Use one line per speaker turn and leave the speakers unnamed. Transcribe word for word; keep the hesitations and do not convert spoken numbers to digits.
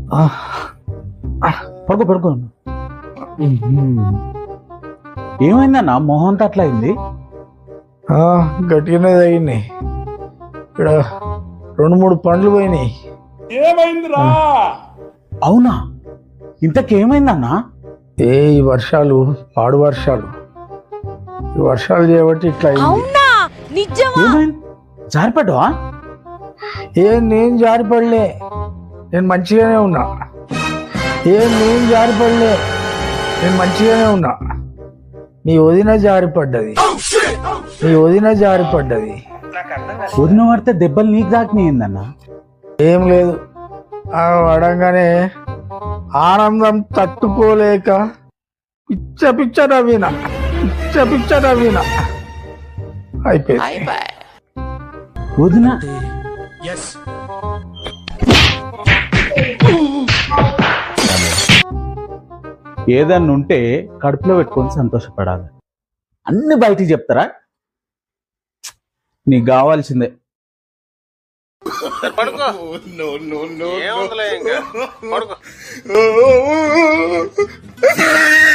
పడుకో పడుకో. ఏమైందన్నా మొహం అంతా అట్లా అయింది?
గట్టిగానే తగినాయి. ఇక్కడ రెండు మూడు పండ్లు పోయినాయి.
ఏమైందిరా?
అవునా? ఇంతకేమైందన్నా?
ఏ ఈ వర్షాలు పాడు వర్షాలు ఈ వర్షాలు చేయబట్టి ఇట్లా అయింది.
ఏమైంది? జారిపడ్డావా?
ఏ నేను జారిపడలే, నేను మంచిగానే ఉన్నా. ఏ నేను జారిపడలే, నేను మంచిగానే ఉన్నా. నీ వదిన జారిపడ్డది, నీ వదిన జారిపడ్డది.
వదిన పడితే దెబ్బలు నీకు దాకినాయిందన్నా?
ఏం లేదు, ఆ పడంగానే ఆనందం తట్టుకోలేక పిచ్చ పిచ్చ నవ్విన, పిచ్చ పిచ్చ నవ్విన. అయిపోయింది.
వదిన ఏదన్నా ఉంటే కడుపులో పెట్టుకొని సంతోషపడాలి. అన్ని బయటికి చెప్తారా? నీకు కావాల్సిందే.
పడుకో. ఏముందిలే ఇంకా పడుకో.